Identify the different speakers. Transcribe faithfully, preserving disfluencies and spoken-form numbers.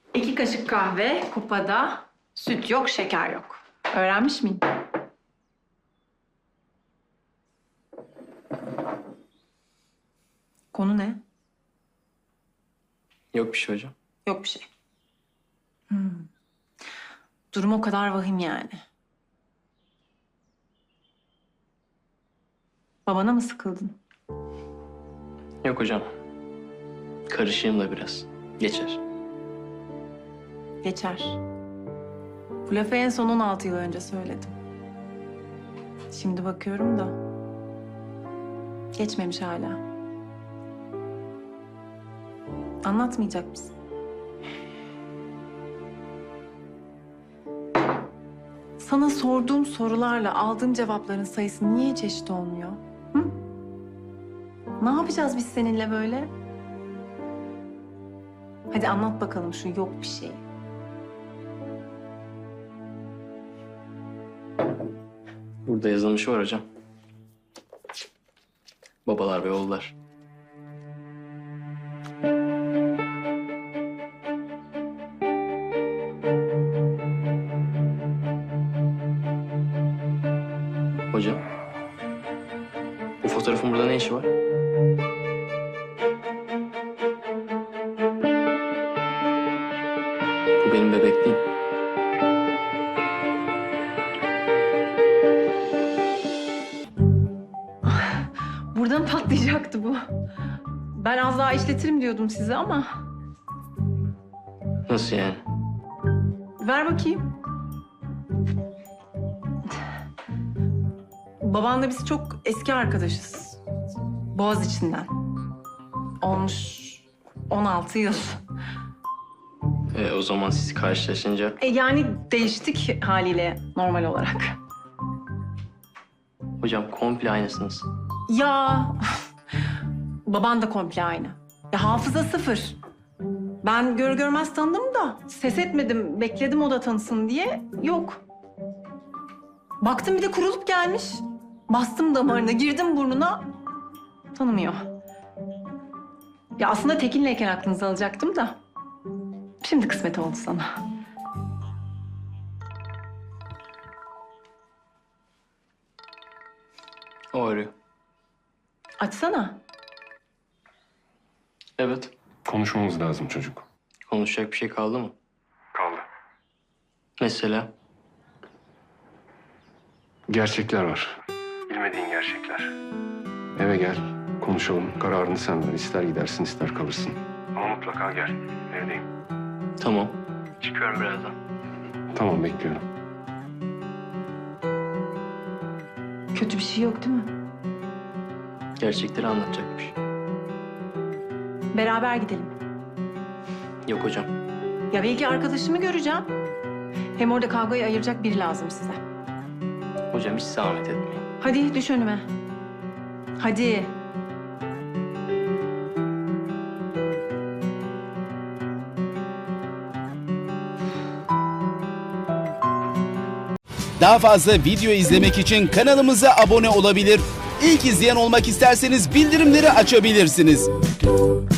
Speaker 1: İki kaşık kahve, kupada süt yok, şeker yok. Öğrenmiş miyim? Konu ne?
Speaker 2: Yok bir şey hocam.
Speaker 1: Yok bir şey. Hmm. Durum o kadar vahim yani. Babana mı sıkıldın?
Speaker 2: Yok hocam. Karışayım da biraz. Geçer.
Speaker 1: Geçer. Bu lafı en son on altı yıl önce söyledim. Şimdi bakıyorum da geçmemiş hala. Anlatmayacak mısın? Sana sorduğum sorularla aldığım cevapların sayısı niye hiç eşit olmuyor? Hı? Ne yapacağız biz seninle böyle? Hadi anlat bakalım şu yok bir şey.
Speaker 2: Burada yazılmışı var hocam. Babalar ve oğullar. Hocam. Bu fotoğrafın burada ne işi var? Bu benim bebekliğim.
Speaker 1: Buradan patlayacaktı bu. Ben az daha işletirim diyordum size ama...
Speaker 2: Nasıl yani?
Speaker 1: Ver bakayım. Babanla biz çok eski arkadaşız. Boğaziçi'nden. Olmuş on altı yıl.
Speaker 2: E, o zaman siz karşılaşınca...
Speaker 1: E yani değiştik haliyle normal olarak.
Speaker 2: Hocam komple aynısınız.
Speaker 1: Ya baban da komple aynı. Ya hafıza sıfır. Ben gör görmez tanıdım da ses etmedim, bekledim o da tanısın diye. Yok. Baktım bir de kurulup gelmiş. Bastım damarına, girdim burnuna. Tanımıyor. Ya aslında Tekin'leyken aklınızı alacaktım da. Şimdi kısmet oldu sana.
Speaker 2: O arıyor.
Speaker 1: Açsana.
Speaker 2: Evet.
Speaker 3: Konuşmamız lazım çocuk.
Speaker 2: Konuşacak bir şey kaldı mı?
Speaker 3: Kaldı.
Speaker 2: Mesela?
Speaker 3: Gerçekler var. Bilmediğin gerçekler. Eve gel, konuşalım. Kararını sen ver. İster gidersin, ister kalırsın. Ama mutlaka gel. Evdeyim.
Speaker 2: Tamam. Çıkıyorum birazdan.
Speaker 3: Tamam, bekliyorum.
Speaker 1: Kötü bir şey yok değil mi?
Speaker 2: Gerçekleri anlatacakmış.
Speaker 1: Beraber gidelim.
Speaker 2: Yok hocam.
Speaker 1: Ya belki arkadaşımı göreceğim. Hem orada kavgayı ayıracak biri lazım size.
Speaker 2: Hocam hiç zahmet etmeyin.
Speaker 1: Hadi düş önüme. Hadi.
Speaker 4: Daha fazla video izlemek için kanalımıza abone olabilir. İlk izleyen olmak isterseniz bildirimleri açabilirsiniz.